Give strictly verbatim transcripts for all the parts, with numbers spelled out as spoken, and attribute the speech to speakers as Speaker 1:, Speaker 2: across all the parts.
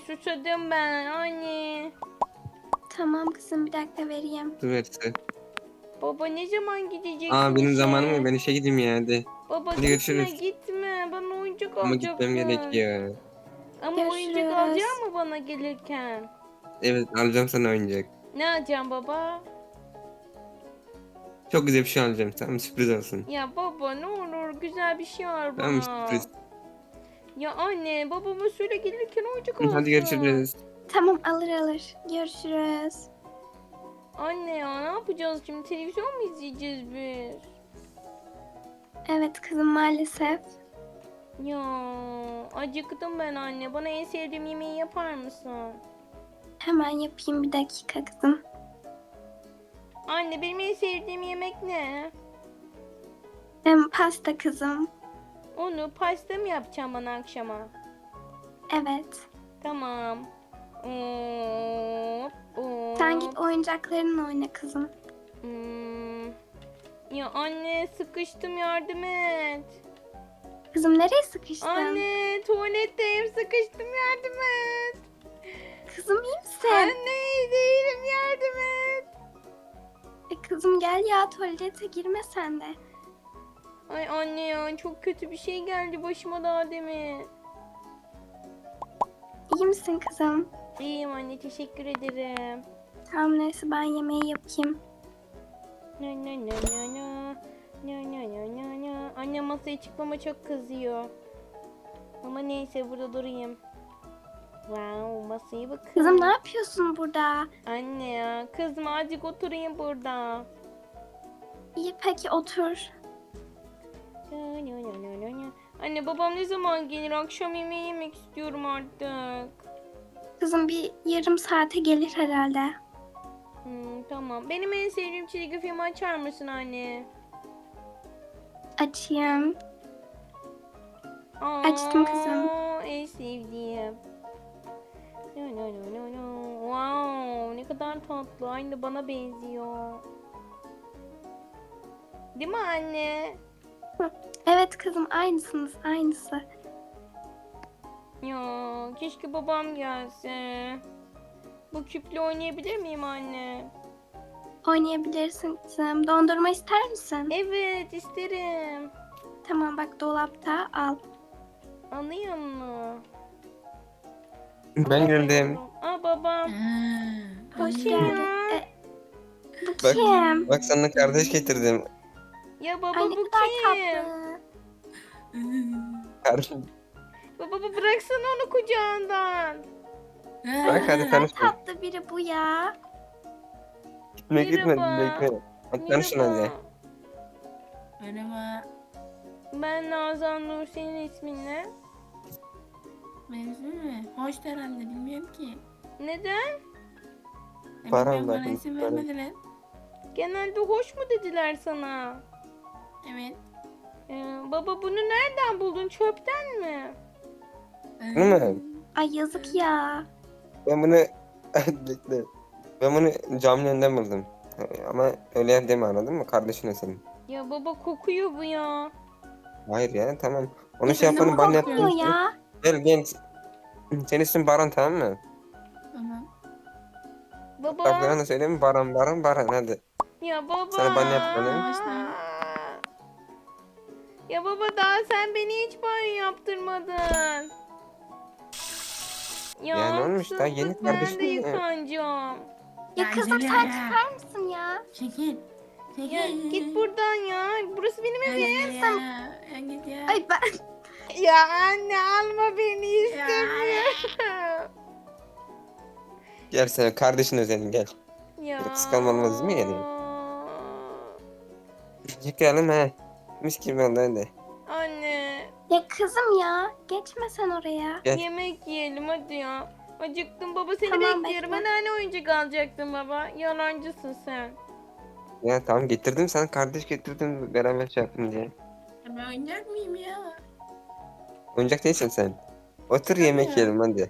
Speaker 1: susadım ben anne.
Speaker 2: Tamam kızım bir dakika vereyim.
Speaker 3: Su verse.
Speaker 1: Baba ne zaman gideceksin
Speaker 3: Aa benim
Speaker 1: işe?
Speaker 3: zamanım ya, ben işe gideyim ya hadi.
Speaker 1: Baba
Speaker 3: Hadi
Speaker 1: gitme
Speaker 3: görüşürüz.
Speaker 1: gitme. Bana oyuncak
Speaker 3: Ama gitmem
Speaker 1: alacaksın.
Speaker 3: gerekiyor.
Speaker 1: Ama oyuncak
Speaker 2: Görüşürüz.
Speaker 1: alacak mı bana gelirken?
Speaker 3: Evet, alacağım sana oyuncak.
Speaker 1: Ne alacağım baba?
Speaker 3: Çok güzel bir şey alacağım, tamam, sürpriz olsun.
Speaker 1: Ya baba ne olur güzel bir şey al
Speaker 3: Tamam,
Speaker 1: bana.
Speaker 3: sürpriz.
Speaker 1: Ya anne babama söyle gelirken oyuncak
Speaker 3: Hı,
Speaker 1: alsın.
Speaker 3: hadi görüşürüz.
Speaker 2: Tamam alır alır. Görüşürüz.
Speaker 1: Anne ya ne yapacağız şimdi? Televizyon mu izleyeceğiz biz?
Speaker 2: Evet kızım maalesef.
Speaker 1: Ya acıktım ben anne. Bana en sevdiğim yemeği yapar mısın?
Speaker 2: Hemen yapayım bir dakika kızım.
Speaker 1: Anne benim en sevdiğim yemek ne?
Speaker 2: Hem pasta kızım.
Speaker 1: Onu pasta mı yapacağım bana akşama?
Speaker 2: Evet.
Speaker 1: Tamam. Hop, hop.
Speaker 2: Sen git oyuncaklarınla oyna kızım.
Speaker 1: Hmm. Ya anne sıkıştım yardım et.
Speaker 2: Kızım nereye sıkıştın?
Speaker 1: Anne tuvaletteyim sıkıştım yardım et.
Speaker 2: Kızım iyi misin?
Speaker 1: Anne iyi değilim yardım et.
Speaker 2: E, kızım gel ya tuvalete girme sen de.
Speaker 1: Ay anne ya çok kötü bir şey geldi başıma daha demin.
Speaker 2: İyi misin kızım?
Speaker 1: İyiyim anne teşekkür ederim.
Speaker 2: Tamam neyse ben yemeği yapayım.
Speaker 1: Na na na na na. Na na na na na. Anne masaya çıkmama çok kızıyor. Ama neyse burada durayım. Wow masaya bakın.
Speaker 2: Kızım ne yapıyorsun burada?
Speaker 1: Anne ya kızma azıcık oturayım burada.
Speaker 2: İyi peki otur.
Speaker 1: Na na na na na na. Anne babam ne zaman gelir? Akşam yemeği yemek istiyorum artık.
Speaker 2: Kızım bir yarım saate gelir herhalde.
Speaker 1: Hmm, tamam. Benim en sevdiğim çizgi film açar mısın anne?
Speaker 2: Açayım.
Speaker 1: Aa,
Speaker 2: Açtım kızım.
Speaker 1: En sevdiğim. No, no, no, no, no. Wow, ne kadar tatlı. Aynı bana benziyor. Değil mi anne?
Speaker 2: Evet kızım aynısınız aynısı.
Speaker 1: Ya keşke babam gelse. Bu küple oynayabilir miyim anne?
Speaker 2: Oynayabilirsin kızım. Dondurma ister misin?
Speaker 1: Evet isterim.
Speaker 2: Tamam bak dolapta al.
Speaker 1: Anlıyor musun?
Speaker 3: Ben geldim.
Speaker 1: Aa babam.
Speaker 2: Hoş
Speaker 1: Kim
Speaker 2: geldin.
Speaker 1: ya?
Speaker 2: E, bu
Speaker 3: Bak,
Speaker 2: kim?
Speaker 3: bak sana kardeş getirdim.
Speaker 1: Ya baba
Speaker 2: Ay ne
Speaker 1: bu
Speaker 2: kadar
Speaker 1: kim?
Speaker 2: tatlı.
Speaker 3: Kardeş.
Speaker 1: Baba baba bıraksana onu kucağından.
Speaker 3: Bak hadi
Speaker 2: Ne
Speaker 3: tanışma.
Speaker 2: tatlı biri bu ya.
Speaker 3: Gitme gitme
Speaker 1: Merhaba.
Speaker 3: bekle. Hadi tanışın hadi.
Speaker 1: Merhaba.
Speaker 4: Merhaba.
Speaker 1: Ben Nazan Nur, senin ismin ne?
Speaker 4: Benziyor mi? Hoş herhalde bilmiyorum ki.
Speaker 1: Neden?
Speaker 4: E,
Speaker 3: Param
Speaker 4: bilmiyorum,
Speaker 3: var,
Speaker 4: bana isim
Speaker 3: param.
Speaker 4: vermediler.
Speaker 1: Genelde hoş mu dediler sana?
Speaker 4: Evet.
Speaker 1: Ee, baba bunu nereden buldun? Çöpten mi?
Speaker 4: Ee,
Speaker 3: Değil mi?
Speaker 2: Ay yazık ya.
Speaker 3: Ben bunu bekle. Ben bunu camın önünden buldum. Ama öyle deme, anladın mı? Kardeşine senin.
Speaker 1: Ya baba kokuyor bu ya.
Speaker 3: Hayır ya, tamam. Onu
Speaker 4: E,
Speaker 3: şey
Speaker 4: sen de
Speaker 3: yapanı
Speaker 4: mi
Speaker 3: ben
Speaker 4: korkuyorsun?
Speaker 3: yaptım.
Speaker 2: Kokmuyor ya.
Speaker 3: Gel gel. Senin ismin Baran, tamam mı?
Speaker 4: Tamam.
Speaker 1: Baba.
Speaker 3: Bak ben de söyleyeyim mi? Baran Baran Baran hadi.
Speaker 1: Ya baba.
Speaker 3: Sana banyo yaptım.
Speaker 4: Yavaşla.
Speaker 1: Ya baba daha sen beni hiç banyo yaptırmadın. Ya,
Speaker 3: Ya ne olmuş, daha yeni
Speaker 1: haksızlık, ben de
Speaker 3: kardeşim ya.
Speaker 1: yıkanacağım.
Speaker 2: Ya
Speaker 4: Ya
Speaker 2: kızım
Speaker 4: güzel
Speaker 2: sen
Speaker 4: ya.
Speaker 2: çıkar mısın ya?
Speaker 4: Çekil. Çekil.
Speaker 1: Ya git buradan ya. Burası benim
Speaker 4: Ya,
Speaker 1: evim.
Speaker 4: ya, ya. Ya git ya.
Speaker 2: Ay ben
Speaker 1: Ya anne alma beni
Speaker 4: Ya.
Speaker 1: istemiyorum.
Speaker 3: Gel sen kardeşin senin, gel.
Speaker 1: Ya.
Speaker 3: Kıskanman olmaz değil mi yani? Yıkayalım he. Mis gibi oldu hadi.
Speaker 1: Anne
Speaker 2: ya kızım ya geçme sen oraya.
Speaker 3: Gel.
Speaker 1: yemek yiyelim hadi ya. Acıktım baba seni
Speaker 2: Tamam,
Speaker 1: bekliyorum.
Speaker 2: bekle.
Speaker 1: Ben hani oyuncak alacaktım baba. Yalancısın sen.
Speaker 3: Ya tamam, getirdim sana, kardeş getirdim beraber şey yaptım diye.
Speaker 4: Ya ben oynayacak mıyım ya?
Speaker 3: Oyuncak değilsin sen. Otur yemek
Speaker 4: Çıkamıyorum.
Speaker 3: yiyelim hadi.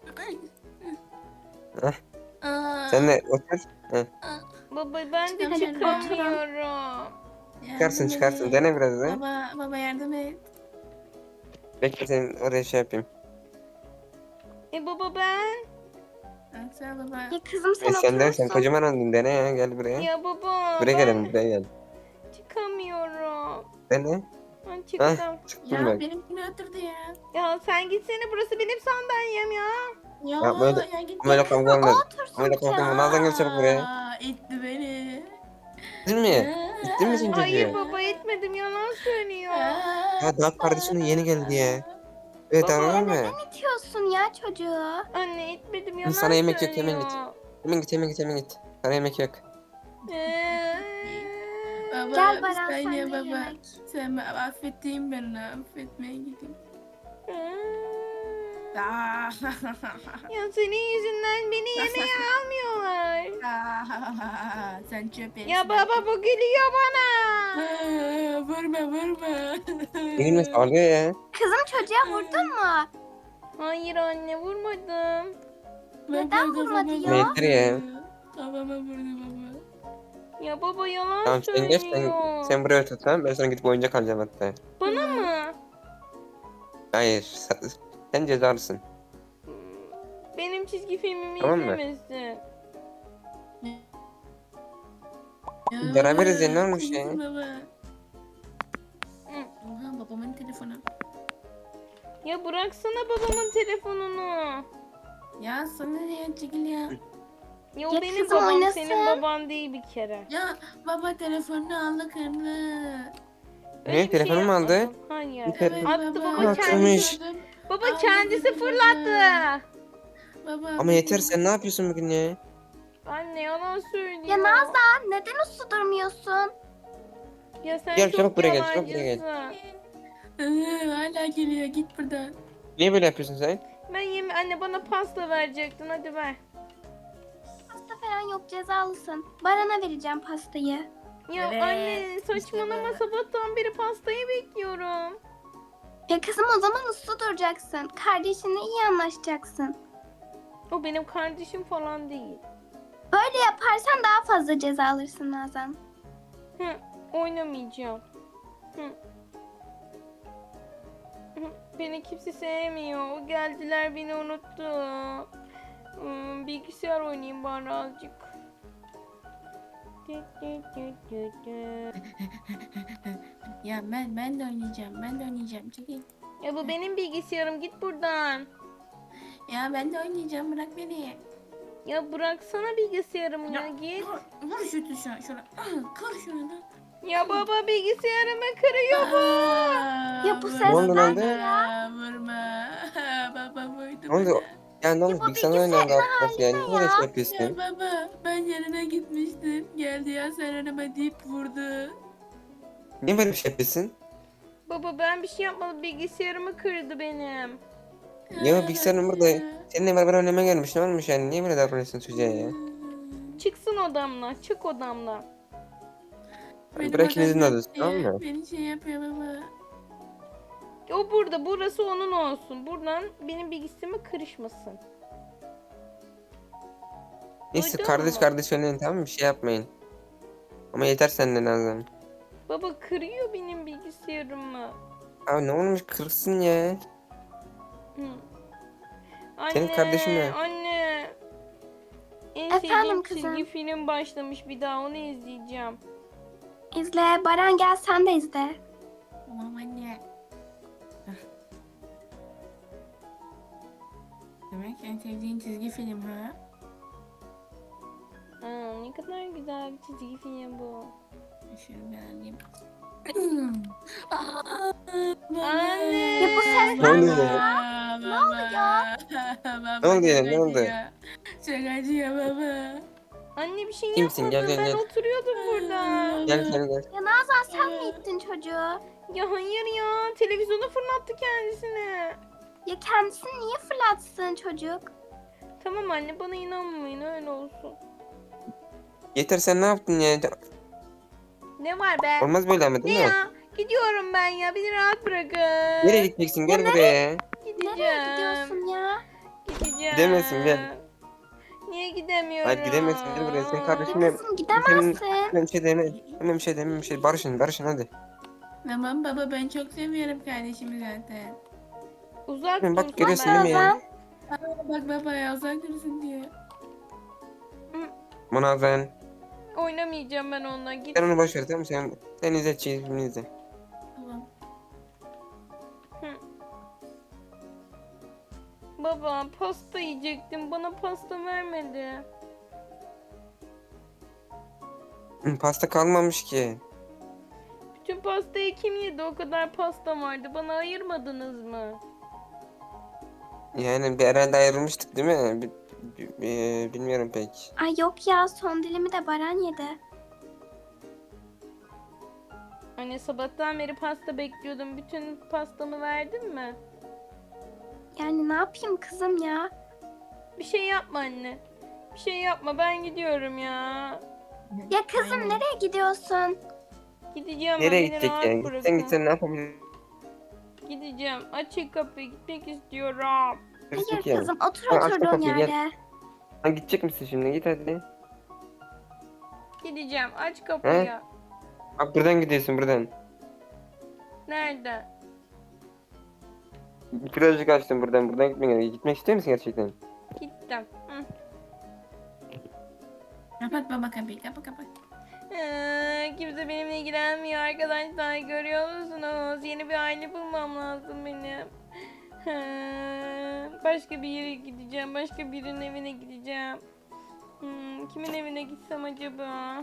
Speaker 3: Heh.
Speaker 4: Aa,
Speaker 3: Sen de otur. Heh.
Speaker 1: Baba ben de
Speaker 4: Çıkamıyorum.
Speaker 1: çıkamıyorum.
Speaker 3: Çıkarsın
Speaker 4: yardım
Speaker 3: çıkarsın.
Speaker 4: edin.
Speaker 3: Dene biraz da.
Speaker 4: Baba, baba yardım et.
Speaker 3: Bekle, senin oraya şey yapayım.
Speaker 1: E baba ben?
Speaker 4: Baksana baba.
Speaker 2: Ya kızım sen
Speaker 3: E sen de sen
Speaker 2: oturursun.
Speaker 3: kocaman oldun, dene ya, gel buraya.
Speaker 1: Ya baba
Speaker 3: Buraya gel,
Speaker 1: ben
Speaker 3: buraya gel.
Speaker 1: çıkamıyorum.
Speaker 3: Dene.
Speaker 1: Ben
Speaker 3: Hah,
Speaker 1: çıktım.
Speaker 3: çıktın
Speaker 4: Ya
Speaker 3: bak.
Speaker 4: benimkine oturdu ya.
Speaker 1: Ya sen gitsene, burası benim sandalyem ya.
Speaker 4: Ya,
Speaker 3: Ya böyle,
Speaker 4: ya git
Speaker 3: böyle
Speaker 4: ya.
Speaker 3: kavga olmaz.
Speaker 2: Otursun
Speaker 3: Böyle kavga olmaz.
Speaker 2: ya.
Speaker 3: Nazan gel çabuk buraya.
Speaker 4: Aa, itti beni.
Speaker 3: Gittin mi? Gittin mi sen
Speaker 1: Hayır
Speaker 3: çocuğu?
Speaker 1: baba, etmedim, yalan söylüyor.
Speaker 3: Ya daha kardeşinin yeni geldi ya. Evet
Speaker 1: Baba,
Speaker 3: anladın mı?
Speaker 2: Neden itiyorsun ya çocuğu?
Speaker 1: Anne etmedim, yalan
Speaker 3: Sana yemek yok,
Speaker 1: söylüyor.
Speaker 3: hemen git. Hemen git, hemen git, hemen git. Sana yemek yok.
Speaker 1: Ee,
Speaker 4: Baba,
Speaker 2: Gel
Speaker 4: bir
Speaker 2: Baran
Speaker 4: saniye
Speaker 2: sen de
Speaker 4: baba.
Speaker 2: yemek.
Speaker 4: Sen affettiğim beni, affetmeye gideyim.
Speaker 1: ee.
Speaker 4: Aa.
Speaker 1: Ya senin yüzünden beni yemeğe almıyorlar.
Speaker 4: Aa, sen çöp
Speaker 1: Ya baba, bu gülüyor bana.
Speaker 4: Aa, vurma vurma.
Speaker 3: Benimle sağlıyor ya.
Speaker 2: Kızım çocuğa vurdun mu?
Speaker 1: Hayır anne, vurmadım.
Speaker 2: Neden
Speaker 4: Baba,
Speaker 2: vurmadı
Speaker 4: kafama
Speaker 2: ya?
Speaker 3: Yeter ya.
Speaker 4: Kafama vurdu baba.
Speaker 1: Ya baba, yalan
Speaker 3: Tamam sen geç, sen,
Speaker 1: söylüyor.
Speaker 3: sen buraya otur, tamam. Ben sana gidip oyuncak alacağım hatta.
Speaker 1: Bana mı?
Speaker 3: Hayır, sen, sen cezalısın.
Speaker 1: Benim çizgi filmimi
Speaker 3: Tamam mı?
Speaker 1: izlemesin.
Speaker 4: Ya
Speaker 3: Beraberiz ya, ne
Speaker 4: baba,
Speaker 3: olmuş
Speaker 4: kızım
Speaker 3: ya?
Speaker 4: Baba.
Speaker 1: Hı.
Speaker 4: Oha, babamın telefonu.
Speaker 1: Ya bıraksana babamın telefonunu.
Speaker 4: Ya sana ne ya, çekil ya.
Speaker 1: Ya o
Speaker 2: Ya
Speaker 1: benim
Speaker 2: kızım
Speaker 1: babam,
Speaker 2: oynasın.
Speaker 1: senin baban değil bir kere.
Speaker 4: Ya baba telefonunu aldı kırdı.
Speaker 1: Öyle
Speaker 3: Ne,
Speaker 1: bir
Speaker 3: telefonu mu aldı?
Speaker 1: yapmadım. Hayır.
Speaker 3: Bir telefon-
Speaker 1: Attı baba,
Speaker 3: Aa,
Speaker 1: kendisi.
Speaker 3: kırmış.
Speaker 1: Baba
Speaker 4: Aldı
Speaker 1: kendisi
Speaker 4: dedi
Speaker 1: fırlattı.
Speaker 4: Baba.
Speaker 3: Ama yeter, sen ne yapıyorsun bugün ya?
Speaker 1: Anne yalan söylüyor.
Speaker 2: Ya Nazan neden uslu durmuyorsun?
Speaker 1: Ya sen
Speaker 3: Gel,
Speaker 1: çok
Speaker 3: çabuk buraya gel, çabuk buraya gel.
Speaker 1: yalancısın.
Speaker 4: Iı, hala geliyor, git buradan.
Speaker 3: Niye böyle yapıyorsun sen?
Speaker 1: Ben yeme anne, bana pasta verecektin, hadi ver.
Speaker 2: Pasta falan yok, cezalısın. Baran'a vereceğim pastayı.
Speaker 1: Ya
Speaker 4: Evet,
Speaker 1: anne saçmalama,
Speaker 4: işte
Speaker 1: sabahtan beri pastayı bekliyorum.
Speaker 2: Ya kızım o zaman uslu duracaksın. Kardeşinle iyi anlaşacaksın.
Speaker 1: O benim kardeşim falan değil.
Speaker 2: Böyle yaparsan daha fazla ceza alırsın Nazan.
Speaker 1: Hı, oynamayacağım. Hı. Hı, beni kimse sevmiyor. Geldiler, beni unuttu. Hmm, bilgisayar oynayayım bari azıcık. Dü dü dü dü dü.
Speaker 4: Ya ben ben de oynayacağım, ben de oynayacağım, çekil.
Speaker 1: Ya bu benim bilgisayarım, git buradan.
Speaker 4: Ya ben de oynayacağım, bırak beni.
Speaker 1: Ya bıraksana bilgisayarımı ya,
Speaker 4: Ya,
Speaker 1: git.
Speaker 4: Vur, vur şu tuşa, şuna. Kır şunu da.
Speaker 1: Ya baba, bilgisayarımı kırıyor bu.
Speaker 4: Aa,
Speaker 2: Ya bu
Speaker 4: vurma
Speaker 2: ses
Speaker 3: oldu lan?
Speaker 4: bana, Vurma. Baba vurdu
Speaker 3: Ne oldu?
Speaker 4: bana.
Speaker 3: Ya ne
Speaker 2: Ya
Speaker 3: oldu?
Speaker 2: bu
Speaker 3: Bilgisayarın
Speaker 2: bilgisayarın
Speaker 3: oynayan rahatlasın yani.
Speaker 2: haline
Speaker 3: Ne kadar
Speaker 2: ya.
Speaker 3: şey
Speaker 4: Ya
Speaker 3: yapıyorsun?
Speaker 4: baba, ben yanına gitmiştim. Geldi ya sen önüme deyip vurdu.
Speaker 3: Niye böyle bir şey yapıyorsun?
Speaker 1: Baba ben bir şey yapmadım, bilgisayarımı kırdı benim.
Speaker 3: Ya bilgisayarın burada. Seninle beraber oynamaya gelmiş. Ne olmuş yani? Niye böyle davranıyorsun çocuğa ya?
Speaker 1: Çıksın odamdan, çık odamdan.
Speaker 4: Benim
Speaker 3: Bırak ikinizin
Speaker 4: odam
Speaker 3: adresi,
Speaker 4: yok
Speaker 3: tamam
Speaker 4: diye
Speaker 3: mı?
Speaker 4: Beni şey yapıyor baba.
Speaker 1: O burada, burası onun olsun. Buradan benim bilgisayarıma karışmasın.
Speaker 3: Neyse,
Speaker 1: Duydun
Speaker 3: kardeş
Speaker 1: mu?
Speaker 3: kardeş oynayın, tamam mı? Bir şey yapmayın. Ama yeter senden Nazan.
Speaker 1: Baba kırıyor benim bilgisayarımı.
Speaker 3: Abi ne olmuş, kırsın ya.
Speaker 1: Hı. Anne,
Speaker 3: Senin kardeşin ne?
Speaker 1: anne. En
Speaker 2: Efendim
Speaker 1: sevdiğim
Speaker 2: kızım?
Speaker 1: çizgi film başlamış, bir daha onu izleyeceğim.
Speaker 2: İzle. Baran gel sen de izle.
Speaker 4: Tamam anne. Hah. Demek en sevdiğin çizgi film ha?
Speaker 1: Aa, ne kadar güzel bir çizgi film bu.
Speaker 4: Şunu ben alayım. Aa, baba.
Speaker 1: Anne.
Speaker 2: Ya bu ses
Speaker 3: Ne oluyor
Speaker 2: ne
Speaker 3: ya?
Speaker 2: ya?
Speaker 4: Ne oluyor?
Speaker 3: Ne oldu ya, ne oldu?
Speaker 4: Şakacı ya baba.
Speaker 1: Anne bir şey
Speaker 3: Kimsin? Gel,
Speaker 1: yapmadım,
Speaker 3: gel,
Speaker 1: ben
Speaker 3: gel.
Speaker 1: oturuyordum burada.
Speaker 3: Gel gel gel.
Speaker 2: Ya Nazan sen mi ittin çocuğu?
Speaker 1: Ya hayır ya, televizyona fırlattı kendisini.
Speaker 2: Ya kendisini niye fırlatsın çocuk?
Speaker 1: Tamam anne, bana inanmayın, öyle olsun.
Speaker 3: Yeter, sen ne yaptın ya?
Speaker 1: Ne var be?
Speaker 3: Olmaz böyle ama
Speaker 1: Ne
Speaker 3: değil mi?
Speaker 1: ya? Gidiyorum ben ya, beni rahat bırakın.
Speaker 3: Nereye gideceksin? Gel buraya.
Speaker 1: Gideceğim.
Speaker 2: Nereye gidiyorsun ya?
Speaker 1: Gideceğim.
Speaker 3: Gidemezsin, gel.
Speaker 1: Niye gidemiyorum?
Speaker 3: Hayır gidemezsin, gel buraya. Sen
Speaker 2: Ya
Speaker 3: kardeşimle...
Speaker 2: kızım gidemezsin.
Speaker 3: Hemen bir şey deme. Hemen bir şey deme, bir şey. Barışın, barışın hadi.
Speaker 4: Tamam baba, ben çok seviyorum kardeşimi zaten.
Speaker 1: Uzak
Speaker 3: Bak,
Speaker 1: dursun
Speaker 3: görüyorsun değil mi ya?
Speaker 2: Nazan.
Speaker 4: Aa, bak baba ya uzak dursun diye.
Speaker 3: Munazen.
Speaker 1: Oynamayacağım ben onunla. Git.
Speaker 3: Sen onu boş ver tamam mı? Sen, sen izle çizimini izle.
Speaker 4: Tamam.
Speaker 1: Baba pasta yiyecektim. Bana pasta vermedi.
Speaker 3: Hı, pasta kalmamış ki.
Speaker 1: Bütün pastayı kim yedi? O kadar pasta vardı. Bana ayırmadınız mı?
Speaker 3: Yani bir herhalde ayrılmıştık değil mi? Bi- bi- bi- bilmiyorum pek.
Speaker 2: Ay yok ya, son dilimi de Baran yedi.
Speaker 1: Anne sabahtan beri pasta bekliyordum. Bütün pastamı verdin mi?
Speaker 2: Yani ne yapayım kızım ya?
Speaker 1: Bir şey yapma anne. Bir şey yapma. Ben gidiyorum ya.
Speaker 2: Ya kızım
Speaker 4: Aynen.
Speaker 2: nereye gidiyorsun?
Speaker 1: Gideceğim.
Speaker 3: Nereye
Speaker 1: beni
Speaker 3: gidecek
Speaker 1: rahat
Speaker 3: yani?
Speaker 1: bırakın.
Speaker 3: Gitsen gitsen ne yapabilirsin
Speaker 1: Gideceğim. Açın kapıyı. Gitmek istiyorum.
Speaker 2: Hayır
Speaker 3: ki?
Speaker 2: kızım, otur
Speaker 3: Ha, aç
Speaker 2: oturduğun
Speaker 3: kapıyı, gel.
Speaker 2: yerde.
Speaker 3: Ha, gidecek misin şimdi? Git hadi.
Speaker 1: Gideceğim. Aç kapıyı.
Speaker 3: Bak buradan gidiyorsun buradan.
Speaker 1: Nerede?
Speaker 3: Birazcık açtım buradan. Buradan gitmek gerekiyor. Gitmek istiyor musun gerçekten?
Speaker 1: Gittim. Hı.
Speaker 4: Kapat baba kapıyı, kapa kapa.
Speaker 1: Ee, kimse benimle ilgilenmiyor arkadaşlar. Görüyor musunuz? Yeni bir aile bulmam lazım benim. Ee, başka bir yere gideceğim. Başka birinin evine gideceğim. Hmm, kimin evine gitsem acaba?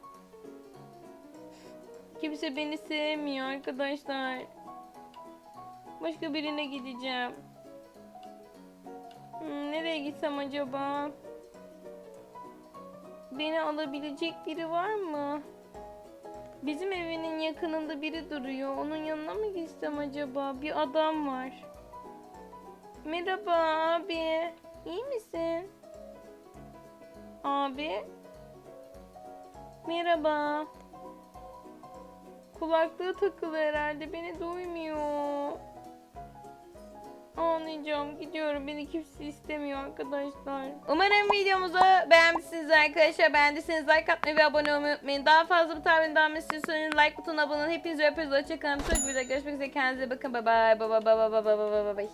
Speaker 1: Kimse beni sevmiyor arkadaşlar. Başka birine gideceğim. Hmm, nereye gitsem acaba? Beni alabilecek biri var mı? Bizim evinin yakınında biri duruyor. Onun yanına mı gitsem acaba? Bir adam var. Merhaba abi. İyi misin? Abi. Merhaba. Kulaklığı takılı herhalde. Beni duymuyor. Anlayacağım. Gidiyorum. Beni kimse istemiyor arkadaşlar. Umarım videomuzu beğenmişsiniz arkadaşlar. Beğendiyseniz like atmayı ve abone olmayı unutmayın. Daha fazla bu tarzın devam istiyorsanız like butonuna abone olun. Hepinizi öpüyoruz. Hoşçakalın. Çok güzel. Görüşmek üzere. Kendinize bakın. Bye bye. Bye bye bye bye bye bye bye bye.